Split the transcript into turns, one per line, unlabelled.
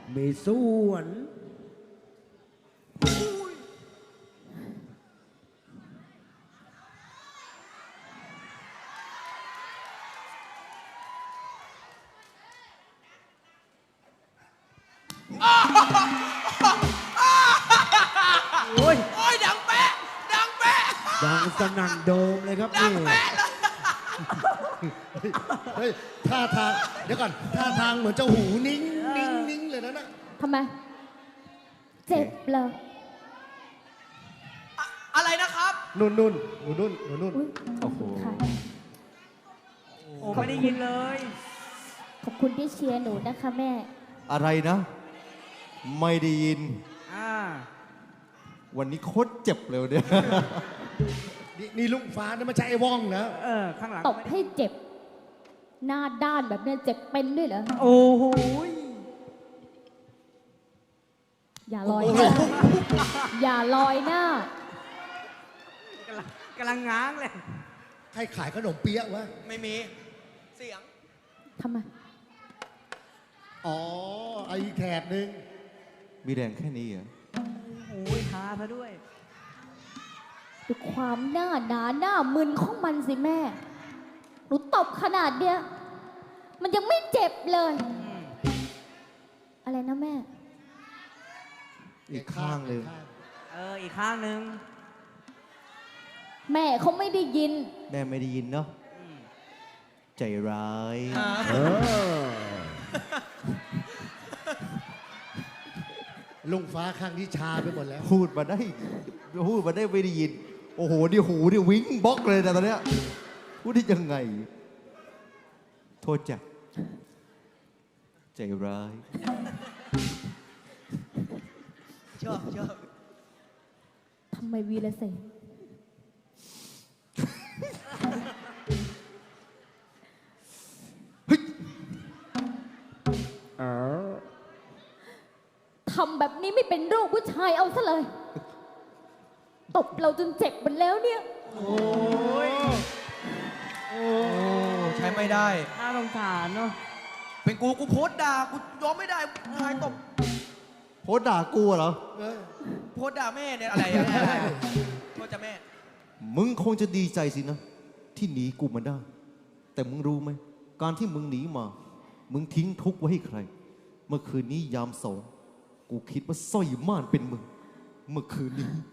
มีส่วนโอ้ย
ดังแป๊ะดังแป๊ะ
ดังสนั่นโดมเลยครับนี่
เฮ้ยท่าทางเดี๋ยวก่อนท่าทางเหมือนเจ้าหูนิ่งนิ่งนิ่งเลยนะ
ทำไม เจ็บเหรอ
อะไรนะครับ
นุ่นนุ่นหนูนุ่นหนูนุ่น
อุ๊ย
โอ้โห
ค่ะ
โอ้ไม่ได้ยินเลย
ขอบคุณที่เชียร์หนูนะคะแม่
อะไรนะ ไม่ได้ยิน วันนี้โคตรเจ็บเลยเนี่ย
นี่ลุงฟ้านี่ไม่ใช่ไอ้ว่องนะ
ข้างหลัง
ตบให้เจ็บ หน้าด้านแบบเนี้ยเจ็บเป็นด้วยเหรอ
โอ้โห
อย่าลอยหน้า อย่าลอยหน้า
กำลังง้างเลย
ใครขายขนมเปี๊ยะวะ
ไม่มีเสียง
ทำไม
อ๋อไอ้แถบหนึ่ง
มีแรงแค่นี้เหรอ
โอ้ยทาซะด้วย
ดูความหน้าหนาหน้ามึนของมันสิแม่ หนูตบขนาดเนี้ย มันยังไม่เจ็บเลย อะไรนะแม่
อีกข้างเลย
อีกข้างหนึ่ง
แม่เขาไม่ได้ยิน
แม่ไม่ได้ยินเนาะใจร้าย
เออ
ลุงฟ้าข้างนี้ชาไปหมดแล้ว
พูดมาได้ไม่ได้ยิน โอ้โหนี่หูนี่วิ่งบล็อกเลยนะตอนเนี้ยพูดได้ยังไง โทษจ้ะใจร้าย
ชอบ
ทำไมวีรเสนทำแบบนี้ไม่เป็นลูกผู้ชายเอาซะเลย ตบเราจนเจ็บหมดแล้วเนี่ย
โอ้ใช้ไม่ได้
น่าสงสารเนาะ
เป็นกูโพสต์ด่ากูยอมไม่ได้ทายตบ
โพสต์ด่ากูเหรอ
โพสต์ด่าแม่เนี่ยอะไรโทษจ้ะแม่
มึงคงจะดีใจสินะ ที่หนีกูมาได้ แต่มึงรู้ไหม การที่มึงหนีมา มึงทิ้งทุกข์ไว้ให้ใคร เมื่อคืนนี้ยามสองกูคิดว่าสร้อยม่านเป็นมึง เมื่อคืนนี้